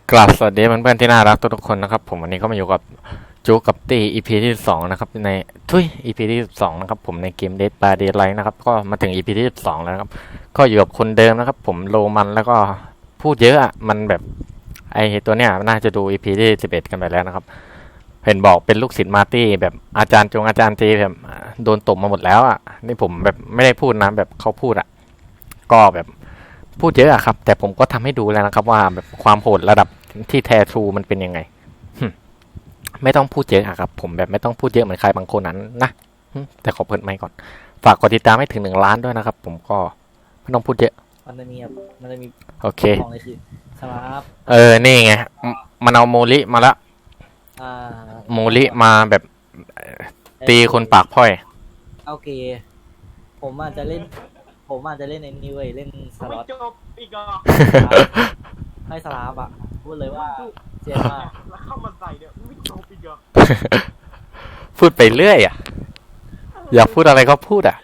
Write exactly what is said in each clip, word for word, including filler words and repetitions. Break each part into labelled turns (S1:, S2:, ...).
S1: กราบสวัสดีเพื่อนๆที่น่ารักทุกๆคนนะครับผมวันนี้ก็มาอยู่กับจูกับตี อี พี ที่สิบสองนะครับในทุย อี พี ที่สิบสองนะครับผมในเกม Dead by Daylight นะครับก็มาถึง อี พี ที่สิบสองแล้วนะครับก็อยู่กับคนเดิมนะครับผมโรมันแล้วก็พูดเยอะอ่ะมันแบบไอตัวเนี้ยน่าจะดู อี พี ที่สิบเอ็ดกันไปแล้วนะครับเห็นบอกเป็นลูกศิษย์มาร์ตี้แบบอาจารย์จงอาจารย์เจแบบโดนตบมาหมดแล้วอ่ะนี่ผมแบบไม่ได้พูดนะแบบเขาพูดอ่ะก็แบบพูดเยอะอะครับแต่ผมก็ทำให้ดูแล้วนะครับว่าแบบความโหดระดับที่แท้ทรูมันเป็นยังไงไม่ต้องพูดเยอะอะครับผมแบบไม่ต้องพูดเยอะเหมือนใครบางคนนั้นนะแต่ขอเปิดไมค์ก่อนฝากกดติดตามให้ถึงหนึ่งล้านด้วยนะครับผมก็ไม่ต้องพูดเยอะ
S2: มันจะมีมันจะมี
S1: โอเค
S2: ของเลยคือครับ
S1: เออนี่ไงมันเอาโมลิมาละ
S2: อ่า
S1: โมลิมาแบบตีคนปากพ่อย
S2: โอเคผมอาจจะเล่นผมอาจจะเล่นในนี้เว้ยเล่นสล็อต
S3: จบอีกอ่ะ
S2: ให้สลาฟอ่ะพูดเลยว่าเจ๋งมาก
S3: แล้วเข้ามาใส่เนี่ยไม่จบอีกอ่ะ
S1: พูดไปเรื่อยอ่ะอยากพูดอะไรก็พูดอ่ะ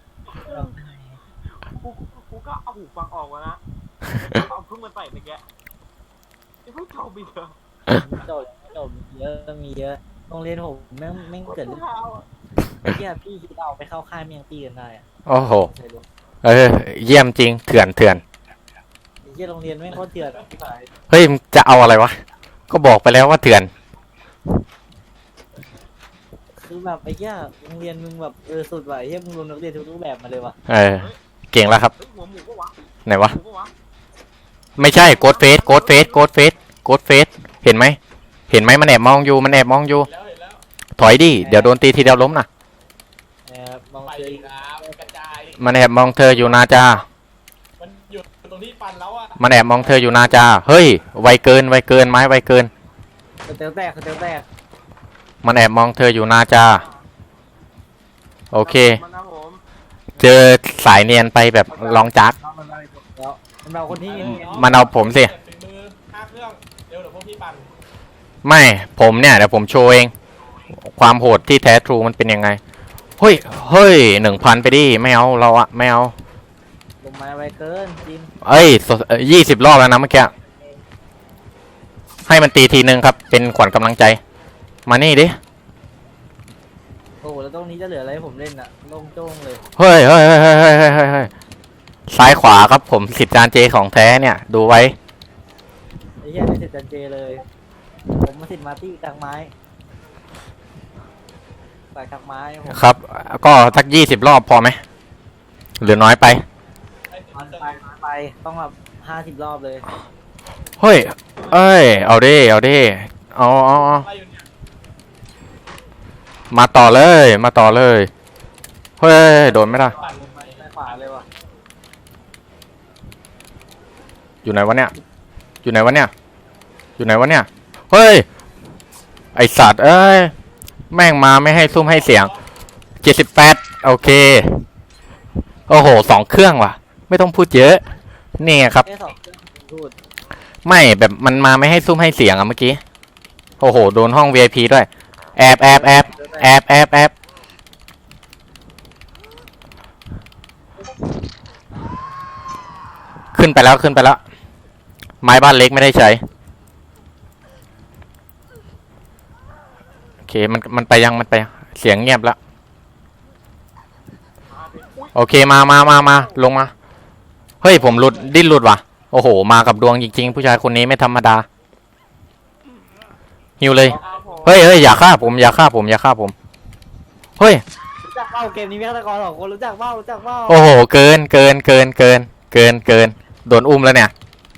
S3: กูกูก็เอาหูฟังออกมานะเอาเพิ่งมาใส่ในแกยังไม่จบอีกอ่ะ
S2: จบจบเยอะมีเยอะโรงเรียนผมแม่งแม่งเกิดเรื่องเหี้ยพี่คิดเอาไปเข้าค่ายเมียงตีกันได้อ่ะ
S1: โอ้โหเออเยี่ยมจริงเถื่อนเถื่อน
S2: เหี้ยโรงเรียนแม่งโคตรเถื่อนพี่ฝ่าย
S1: เฮ้ยจะเอาอะไรวะก็บอกไปแล้วว่าเถื่อน
S2: คือแบบไอ้เหี้ยโรงเรียนมึงแบบเออสุดว่ะไอ้เหี้ยมึงรวมนักเรียนทุกรูปแบบมาเลยว่ะ
S1: เออเก่งแล้วครับ
S3: หัวหมูปะวะ
S1: ไหนวะไม่ใช่โกดเฟสโกดเฟสโกดเฟสโกดเฟสเห็นไหมเห็นไหมมันแอบมองอยู่มันแอบมองอยู่ถอยดิเดี๋ยวโดนตีทีเดียวล้มนะ
S2: แอบมองเธอ
S1: มันแอบมองเธออยู่นาจา
S3: มันอยู่ตรงที่ฟันแล้วอ่ะ
S1: มันแอบมองเธออยู่นาจาเฮ้ยไวเกินไวเกินไม้ไวเกิน
S2: เตลแตกเตลแตก
S1: มันแอบมองเธออยู่นาจาโอเคเจอสายเนียนไปแบบลองจัก
S2: มันเอาคนที่
S1: มันเอาผมสิไม่ผมเนี่ยเดี๋ยวผมโชว์เองความโหดที่แท้ทรูมันเป็นยังไงเฮ้ยเฮ้ยหนึ่งพันไปดิไม่เอาเราอะไม่เอา
S2: ลงมาไวเกินจริง
S1: เอ้ยยี่สิบรอบแล้วนะเมื่อกี้ให้มันตีทีนึงครับเป็นขวัญกำลังใจมานี่ดิ
S2: โอ้แล้วตรงนี้จะเหลืออะไรให้ผมเล่นอะโล่งโจ้งเลย
S1: เฮ้ยเฮ้ยเฮ้ยเฮ้ยเฮ้ยเฮ้ยเฮ้ยซ้ายขวาครับผมสิบจานเจของแท้เนี่ยดูไว้
S2: ไอ้เหี้ยได้สิบจานเจเลยผมมาสิบมาตี้กลางไม้ใส่กลางไม้
S1: ครับก็สักยี่สิบรอบพอไหมหรือน้อยไป
S2: น้อยไปน้อยไปต้องแบบห้าสิบรอบเลย
S1: เฮ้ยเอ้ยเอาดิเอาดิเอาเอามาต่อเลยมาต่อเลยเฮ้ยโดนไม่ได้
S2: ขวาเลยว่ะ
S1: อยู่ไหนวะเนี่ยอยู่ไหนวะเนี่ยอยู่ไหนวะเนี่ยเฮ้ยไอสัตว์เอ้ยแม่งมาไม่ให้ซุ่มให้เสียงเจ็ดสิบแปดโอเคโอ้โหสองเครื่องว่ะไม่ต้องพูดเยอะนี่ครับไม่แบบมันมาไม่ให้ซุ่มให้เสียงอะเมื่อกี้โอ้โหโดนห้อง วี ไอ พี ด้วยแอบแอบแอบแอบแอบแอบขึ้นไปแล้วขึ้นไปแล้วไม้บ้านเล็กไม่ได้ใช้โอเคมันมันไปยังมันไปเสียงเงียบแล้วโอเคมามามามาลงมาเฮ้ยผมหลุดดิ้นหลุดว่ะโอ้โหมากับดวงจริงๆผู้ชายคนนี้ไม่ธรรมดาหิวเลยเฮ้ยเฮ้ยอย่าฆ่าผมอย่าฆ่าผมอย่าฆ่าผมเฮ้ย
S2: รู้จักเป้าเกมนี้แม่ตะกอนสองคนรู้จักเป้ารู้จักเป้า
S1: โอ้โหเกินเกินเกินเกินเกินเกินโดนอุ้มแล้วเนี่ย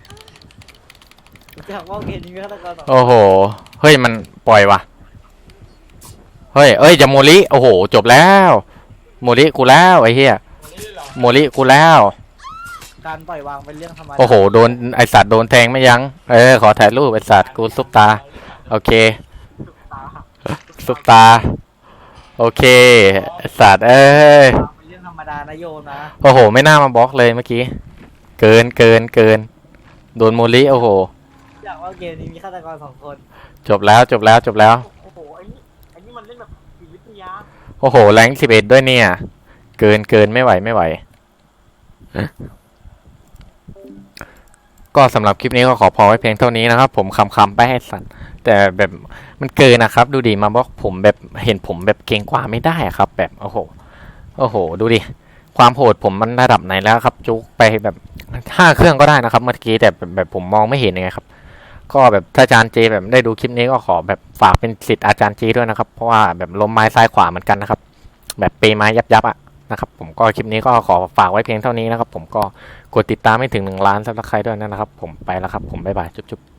S2: รู้จักเป้าเกมนี้แม่ตะกอนสอง
S1: โอ้โหเฮ้ยมันปล่อยว่ะเฮ้ยเอ้ยจะโมลิโอ้โหจบแล้วโมลิกูแล้วไอ้เหี้ยโมลิกูแล้ว
S2: การปล่อยวางเป็นเรื่องธรรมดา
S1: โอ้โหโดนไอสัตว์โดนแทงไม่ยั้งเออขอถ่ายรูปไอสัตว์กูซุปตาโอเคซุปตาโอเคไอสัตว์เอ้ย
S2: เป็นเรื่องธรรมดานะโยมนะ
S1: โอ้โหไม่น่ามาบล็อกเลยเมื่อกี้เกินเกินเกินโดนโมลิโอ้โห
S2: อยากว่าเกมนี้มีฆาตกรสองคน
S1: จบแล้วจบแล้วจบแล้ว
S3: โอ้โหไอ้นี่ไอ้นี่มันเล่นแบบจิตวิทยา
S1: โอ้โหแรงสิบเอ็ดด้วยเนี่ยเกินเกินไม่ไหวไม่ไหวก็สำหรับคลิปนี้ก็ขอพอไว้เพียงเท่านี้นะครับผมคำๆไปให้สัตว์แต่แบบมันเกินนะครับ ดูดิมาบล็อกผมแบบเห็นผมแบบเก่งกว่าไม่ได้อะครับ แบบโอ้โหโอ้โห ดูดิความโหดผมมันระดับไหนแล้วครับ จุกไปแบบห้าเครื่องก็ได้นะครับเมื่อกี้แต่แบบแบบผมมองไม่เห็นยังไงครับ ก็แบบถ้าอาจารย์เจแบบได้ดูคลิปนี้ก็ขอแบบฝากเป็นศิษย์อาจารย์เจด้วยนะครับเพราะว่าแบบล้มไม้ซ้ายขวาเหมือนกันนะครับ แบบเปไม้ยับยับๆอ่ะนะครับผมก็คลิปนี้ก็ขอฝากไว้เพียงเท่านี้นะครับผมก็กดติดตามให้ถึงหนึ่งล้านซับสไครต์ด้วยนะครับผมไปแล้วครับผมบ๊ายบายจุ๊บๆ